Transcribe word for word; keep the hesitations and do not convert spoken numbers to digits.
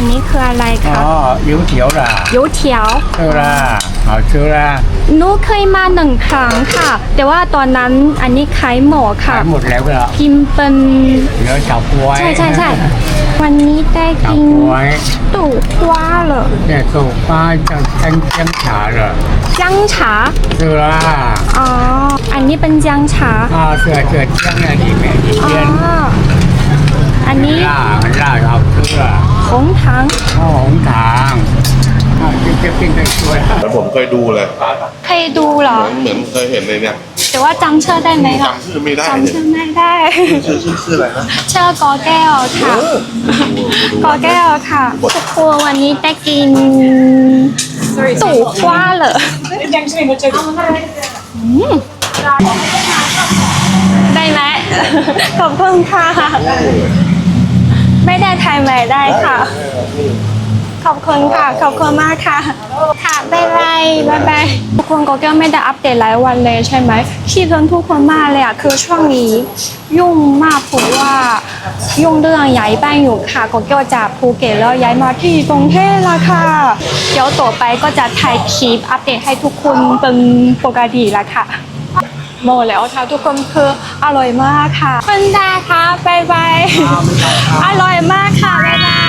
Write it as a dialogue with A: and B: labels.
A: นี้คืออะไรคะ
B: อ๋อ油条啦，
A: โยเถียว
B: 对啦，好吃啦，
A: หนูเคยมาหนึ่งครั้งค่ะ แต่ว่าตอนนั้นอันนี้ขายหมดค่ะ
B: ขายหมดแล้วละ
A: กินเป็น
B: เหลือเฉาก๊วย
A: ใช่ใช่ใช่วันนี้ได้
B: เฉา
A: กิน
B: ก๊วย
A: ตู่คว้าเหรอ
B: เนี่ยสุฟ้าจะแจ้งแจ้งฉาเหรอ
A: จังฉา
B: 是啦，
A: อ๋ออันนี้เป็นจังฉา
B: 啊，是是姜在里面一
A: อ๋อ
B: 边，
A: อันนี้
B: 辣很辣，好吃啊，
A: หงถัง
B: 哦红糖，啊，这这变成说了，
C: แล้วผมเคยดูเลย
A: เคยดูเหรอ
C: เหมือนเคยเห็นเลยเนี่ย
A: แต่ว่าจำชื่อได้ไหมคะ
C: จำชื่อไม่ได้
A: จำ
C: เนี่ย
A: ชื่อไม่ได้
C: ชื่อชื่อชื่ออะไรนะ
A: ชื่อกอแก้วค่ะ กอแก้วค่ะทุกคนวันนี้ได้กินตู่คว้าเหรออืมได้ไหม ขอบคุณค่ะ ไม่ได้ไทยไม่ได้ค่ะ ขอบคุณค่ะ ขอบคุณมากค่ะ ค่ะบ๊ายบายบ๊ายบายทุกคนก็แก้วไม่ได้อัปเดตหลายวันเลยใช่ไหมคิดถึงทุกคนมากเลยอ่ะคือช่วงนี้ยุ่งมากเพราะว่ายุ่งเรื่องย้ายบ้านอยู่ค่ะก็แก้วจากภูเก็ตแล้วย้ายมาที่กรุงเทพแล้วค่ะเดี๋ยวต่อไปก็จะถ่ายคลิปอัปเดตให้ทุกคนเป็นปกติแล้วค่ะหมดแล้วค่ะทุกคนคืออร่อยมากค่ะคุณดาค่ะบ๊ายบายอร่อยมากค่ะบ๊ายบาย